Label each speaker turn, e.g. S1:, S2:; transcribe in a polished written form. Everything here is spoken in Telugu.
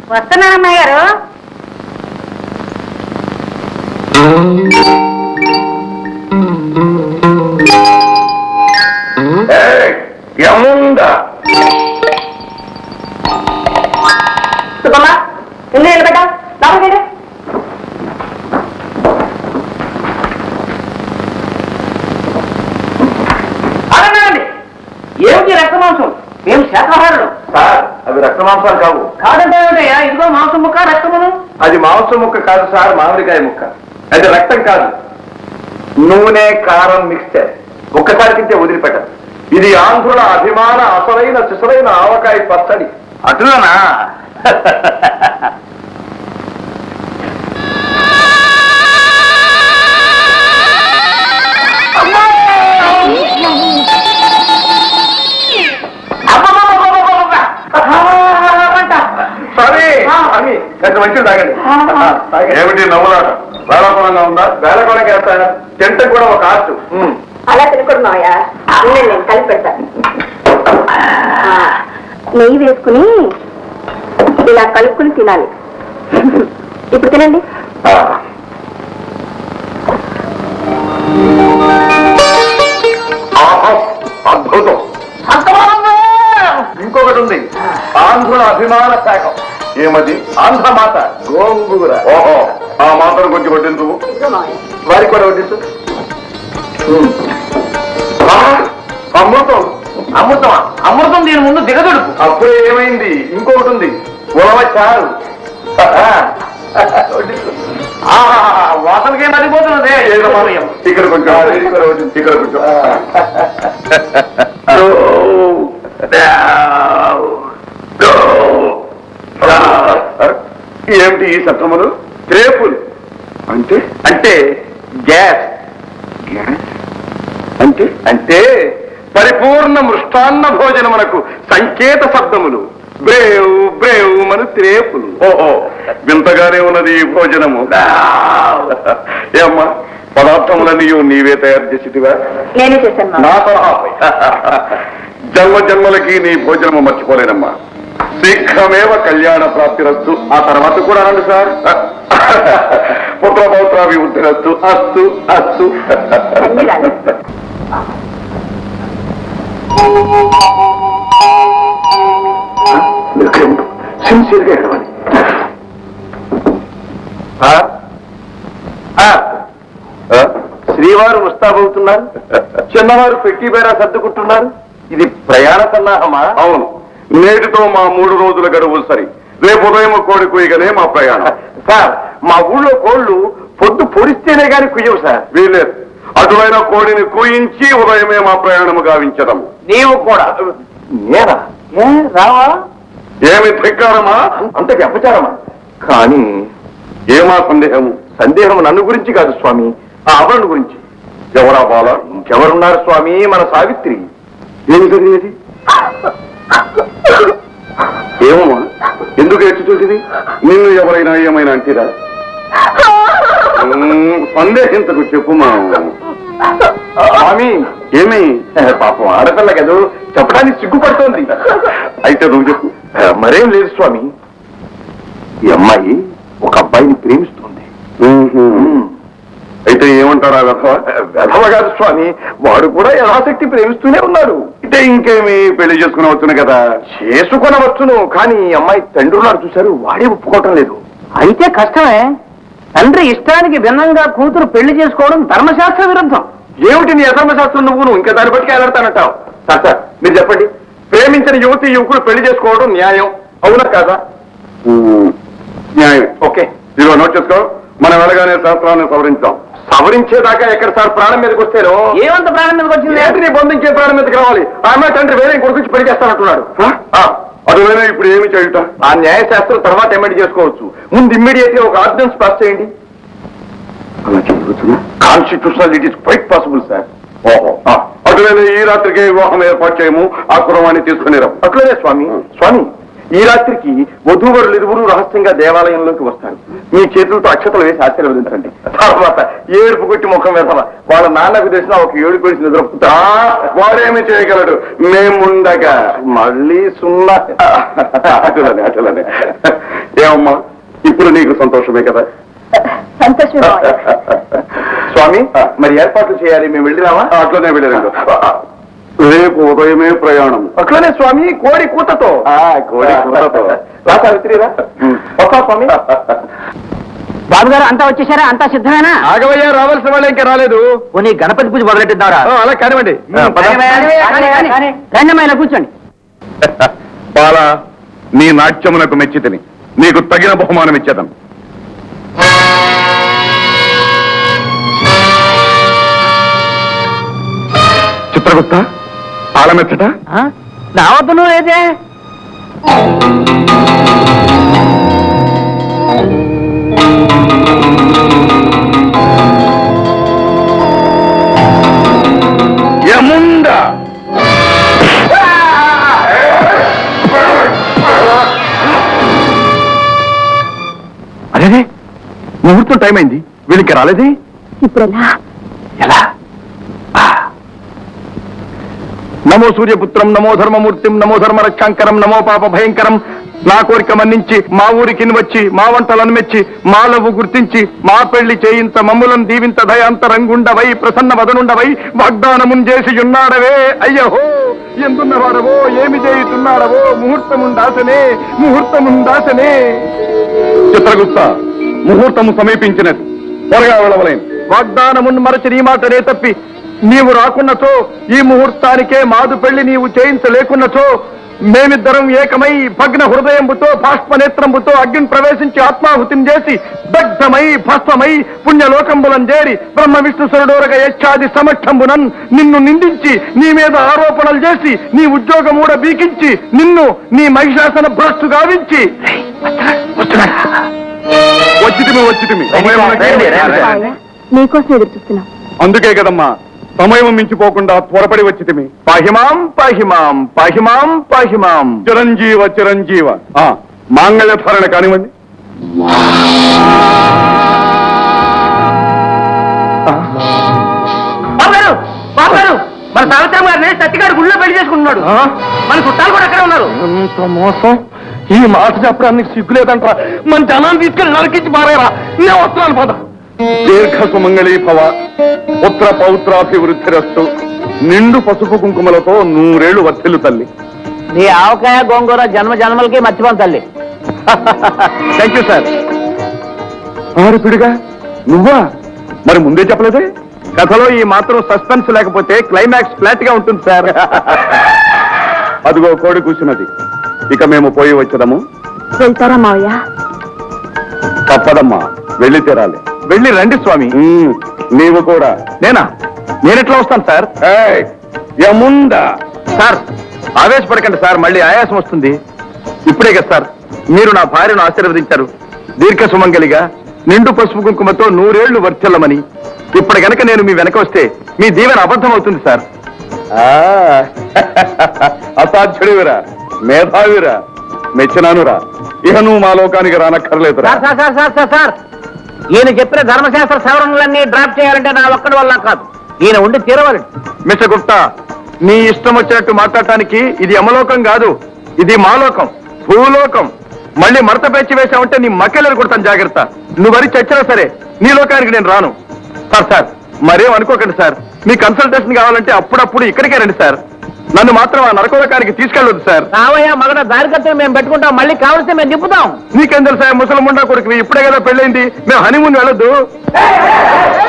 S1: వస్తున్నానమ్మాయి గారు. సుబ్బమ్మ ఇల్లు నిలబడ్డా లోపలికి అడగండి. ఏమిటి రక్త మాంసం? మేము శాకాహారులు
S2: సార్. అవి రక్త మాంసాలు కావు.
S1: కాదంటే ఏమిటయ్యా? ఇదిగో మాంసం ముక్క రక్తమును.
S2: అది మాంసం ముక్క కాదు సార్, మామిడికాయ ముక్క. అది రక్తం కాదు, నూనె కారం మిక్స్చర్. ఒక్కసారి తింటే వదిలిపెట్టదు. ఇది ఆంధ్రుల అభిమాన అసలైన సిసలైన ఆవకాయ పచ్చడి. అటులనా? కొంచెం మంచిది తాగండి. ఏమిటి నవ్వులాట? వేళకోళంగా ఉందా? వేళకోళంగా వేస్తాను. తింట కూడా ఒక ఆర్ట్.
S1: అలా తినకూడదుయా, నేను కలిపి పెడతాను. నెయ్యి వేసుకుని ఇలా కలుపుకుని తినాలి. ఇప్పుడు తినండి.
S2: అద్భుతం. ఇంకొకటి ఉంది, ఆంధ్రుల అభిమాన శాఖం. ఏమది? ఆంధ్ర మాత గోంగూర. ఓహో, ఆ మాతను కొంచెం వడ్డించు. వారికి కూడా వడ్డించు. అమృతం.
S1: అమృతమా? అమృతం దీని ముందు దిగదుడుపు.
S2: అప్పుడే ఏమైంది? ఇంకొకటి ఉంది, ఉలవ చారు.
S1: వాసనకే మరిపోతున్నదే.
S2: ఇక్కడ కొంచెం, ఇక్కడ కొంచెం. ఏమిటి ఈ శబ్దములు? రేపులు అంటే? అంటే గ్యాస్. గ్యాస్ అంటే? అంటే పరిపూర్ణ మృష్టాన్న భోజనమునకు సంకేత శబ్దములు. బ్రేవ్ బ్రేవ్ మన త్రేపులు. ఓహో, వింతగానే ఉన్నది ఈ భోజనము. ఏమ్మా, పదార్థములన్నీ నీవే తయారు చేసేటివా?
S1: నేనే చేశాను.
S2: నా సలహాపై జన్మ జన్మలకి నీ భోజనము మర్చిపోలేనమ్మా. శీఘ్రమేవ కళ్యాణ ప్రాప్తిరస్తు. ఆ తర్వాత కూడా అనండి సార్. పుత్రపౌత్రాభివృద్ధిరస్తు. అస్తు అస్తు. సిన్సియర్గా ఎడవాలి. శ్రీవారు ముస్తాబవుతున్నారు, చిన్నవారు పెట్టి బేరా సర్దుకుంటున్నారు. ఇది ప్రయాణ సన్నాహమా? అవును, నేటితో మా 3 రోజుల గడువు సరి. రేపు ఉదయం కోడి కుయ్యగానే మా ప్రయాణం. సార్, మా ఊళ్ళో కోళ్లు పొద్దు పొడిస్తేనే గాని కుయ్యవు సార్. వీలేదు, అటువైన కోడిని కూయించి ఉదయమే మా ప్రయాణము గావించడం.
S1: నీవు కూడా?
S2: నేనా?
S1: రావా?
S2: ఏమి ధిక్కారమా? అంతకి అపచారమా? కానీ ఏమా సందేహము? సందేహం నన్ను గురించి కాదు స్వామి, ఆ ఆవరణ గురించి. ఎవరా బాల? ఇంకెవరున్నారు స్వామి? మన సావిత్రి. ఏమి జరిగేది? ఏమమ్మా, ఎందుకు ఎట్టు చూసింది? నిన్ను ఎవరైనా ఏమైనా అంటీరా? సందేహించకు, చెప్పుమా. స్వామి, ఏమి? పాపం ఆడపిల్ల కదా, చెప్పడానికి సిగ్గుపడుతోంది. అయితే నువ్వు చెప్పు. మరేం లేదు స్వామి, ఈ అమ్మాయి ఒక అబ్బాయిని ప్రేమిస్తుంది. అయితే ఏమంటారా వెధవ? వెధవ కాదు స్వామి, వాడు కూడా యథాశక్తి ప్రేమిస్తూనే ఉన్నాడు. అయితే ఇంకేమి, పెళ్లి చేసుకునవచ్చును కదా? చేసుకునవచ్చును, కానీ అమ్మాయి తండ్రి ఉన్నాడు చూశారు, వాడే ఒప్పుకోవటం లేదు.
S1: అయితే కష్టమే. తండ్రి ఇష్టానికి భిన్నంగా కూతురు పెళ్లి చేసుకోవడం ధర్మశాస్త్ర విరుద్ధం.
S2: ఏమిటి నీ అధర్మశాస్త్రం? నువ్వు ఇంకా దాన్ని బట్టి వెళ్ళాడతానంటావు. సార్ సార్, మీరు చెప్పండి, ప్రేమించిన యువతి యువకులు పెళ్లి చేసుకోవడం న్యాయం అవునా కాదా? న్యాయం. ఓకే, ఇదిగో నోట్ చేసుకో. మనం వెళ్ళగానే శాస్త్రాన్ని సవరించాం. సవరించేదాకా ఎక్కడ సార్? ప్రాణం మీదకి వస్తేనో.
S1: ఏమంత ప్రాణం మీదకి వచ్చింది?
S2: ఏంటి నీ బంధుంచే ప్రాణం మీదకి రావాలి? ఆ అమ్మాయి తండ్రి వేరే కొడుకు పెళ్లి చేస్తానంటున్నాడు. అటువైనా ఇప్పుడు ఏమి చేయుట? ఆ న్యాయశాస్త్రం తర్వాత ఎమెండ్ చేసుకోవచ్చు. ముందు ఇమ్మీడియట్ గా ఒక ఆర్డినెన్స్ పాస్ చేయండి. అలా చేయవచ్చు. Constitutional it is quite possible sir. ఓహో, అటువైనా ఈ రాత్రికి వివాహం ఏర్పాటు చేయము, ఆ కుర్రవాణ్ణి తీసుకుని రా. అట్లనే స్వామి. స్వామి, ఈ రాత్రికి వధూవరులు ఇరువురు రహస్యంగా దేవాలయంలోకి వస్తారు. మీ చేతులతో అక్షతలు వేసి ఆశీర్వదించండి. తర్వాత ఏడుపు కొట్టి ముఖం వేసావా వాళ్ళ నాన్నకు తెలిసిన ఒక ఏడు కొడిసి నిద్రపుతా. వాడేమి చేయగలడు మేముండగా? మళ్ళీ సున్నా. అటులనే అటులనే. ఏమమ్మా ఇప్పుడు నీకు సంతోషమే కదా
S3: సంతోషం
S2: స్వామి మరి ఏర్పాట్లు చేయాలి మేము వెళ్ళిరామా అట్లనే వెళ్ళారు రేపు ఉదయమే ప్రయాణం అట్లనే స్వామి కోడి కూతతో కోడి కూతతో సావిత్రిరా వస్తా స్వామి
S1: బాబు గారు అంతా వచ్చేసారా? అంతా సిద్ధమేనా?
S2: ఆగవయ్య రావాల్సిన వాళ్ళు ఇంకా రాలేదు
S1: పోనీ గణపతి పూజ మొదలెట్టిద్దారా?
S2: అలా కానివ్వండి
S1: రండమైన కూర్చోండి.
S2: బాలా నీ నాట్యమునకు మెచ్చితిని నీకు తగిన బహుమానం ఇచ్చేదం చిత్రగుప్త ఆలమెచ్చట
S1: నా వద్దను లేదే.
S2: యముండా అదే ముహూర్తం టైం అయింది వీళ్ళకి రాలేదే
S3: ఇప్పుడెలా?
S2: ఎలా నమో సూర్యపుత్రం నమో ధర్మమూర్తిం నమో ధర్మ రక్షాంకరం నమో పాప భయంకరం నా కోరిక మన్నించి మా ఊరికి వచ్చి మా వంటలను మెచ్చి మా లవ్వు గుర్తించి మా పెళ్లి చేయింత మమ్ములను దీవింత దయాంతరంగుండవై ప్రసన్న వదనుండవై వాగ్దానమున్ చేసి ఉన్నాడవే అయ్యహో ఎందున్నవాడవో ఏమి చేయుతున్నాడవో ముహూర్తముందాసనే చిత్రగుప్త ముహూర్తము సమీపించినది త్వరగా వెళ్ళవలేను వాగ్దానమున్ మరచి నీ మాటనే తప్పి నీవు రాకున్నచో ఈ ముహూర్తానికే మాదు పెళ్లి నీవు చేయించలేకున్నచో మేమిద్దరం ఏకమై భగ్న హృదయంబుతో బాష్పనేత్రంబుతో అగ్ని ప్రవేశించి ఆత్మాహుతిని చేసి దగ్ధమై భస్మమై పుణ్యలోకంబులం చేరి బ్రహ్మ విష్ణు సరుడోరగ యచ్చాది సమక్షంబునన్ నిన్ను నిందించి నీ మీద ఆరోపణలు చేసి నీ ఉద్యోగమూడ బీకించి నిన్ను నీ మహిషాసన భ్రష్టు గావించి వచ్చితిమి
S3: నీకోసం ఎదురు చూస్తున్నాం.
S2: అందుకే కదమ్మా సమయం మించిపోకుండా త్వరపడి వచ్చితిమి పాహిమాం పాహిమాం పాహిమాం పాహిమాం చిరంజీవ మాంగళ్యధారణ కానివ్వండి
S1: బాబు గారు మన సావిత్రమ్మ గారిని సత్తిగారు గుళ్ళో పెళ్లి చేసుకుంటున్నాడు. మన చుట్టాలు కూడా అక్కడే ఉన్నారు.
S2: ఎంత మోసం ఈ మాట చెప్పడానికి సిగ్గులేదంటరా మన జనాన్ని తీసుకెళ్ళి నరికించి మారేరా నేను వస్తున్నాను పద దీర్ఘ సుమంగళీ భవ పుత్ర పౌత్రాభివృద్ధిరస్తు నిండు పసుపు కుంకుమలతో 100 ఏళ్లు వర్ధిల్లు తల్లి
S1: నీ ఆవకాయ గోంగూర జన్మ జన్మలకి మర్చిపోను తల్లి.
S2: థ్యాంక్ యూ సార్ పిడిగా నువ్వా మరి ముందే చెప్పలేదే కథలో ఈ మాత్రం సస్పెన్స్ లేకపోతే క్లైమాక్స్ ఫ్లాట్ గా ఉంటుంది సార్ అదిగో కోడి కూర్చున్నది ఇక మేము పోయి వచ్చదము
S3: వెళ్తారా మావయ్య?
S2: తప్పదమ్మా వెళ్ళి తీరాలి వెళ్ళి రండి స్వామి నీవు కూడా నేనెట్లా వస్తాను సార్ యముండా సార్ ఆవేశపడకండి సార్ మళ్ళీ ఆయాసం వస్తుంది ఇప్పుడే కదా సార్ మీరు నా భార్యను ఆశీర్వదించారు దీర్ఘ సుమంగలిగా నిండు పసుపు కుంకుమతో 100 ఏళ్లు వర్ధిల్లమని ఇప్పుడు గనక నేను మీ వెనక వస్తే మీ దీవెన అబద్ధం అవుతుంది సార్ అసాధ్యుడివిరా మేధావిరా మెచ్చినానురా ఇహ నువ్వు మా లోకానికి రానక్కర్లేదురా.
S1: సార్ ఈయన చెప్పిన ధర్మశాస్త్ర సవరణలన్నీ డ్రాప్ చేయాలంటే నా ఒక్కడి వల్ల కాదు, ఈయన ఉండి తీరవాలి.
S2: మిస్టర్ గుప్తా నీ ఇష్టం వచ్చినట్టు మాట్లాడటానికి ఇది యమలోకం కాదు, ఇది మాలోకం భూలోకం. మళ్ళీ మడత పెంచి వేసామంటే నీ మక్కెలను కొడతాను జాగ్రత్త. నువ్వు వరి చచ్చినా సరే నీ లోకానికి నేను రాను. సార్ మరేం అనుకోకండి సార్, మీ కన్సల్టేషన్ కావాలంటే అప్పుడప్పుడు ఇక్కడికే రండి సార్. నన్ను మాత్రం ఆ నరకోలోకానికి తీసుకెళ్ళొద్దు సార్.
S1: రావయ్యా మగడ దారికత్తే మేము పెట్టుకుంటాం, మళ్ళీ కావలిస్తే మేము దిప్పుతాం.
S2: నీకేం తెలుసా ముసలముండా కొడుకు ఇప్పుడే కదా పెళ్ళైంది, మేము హనీమూన్ వెళ్ళొద్దు.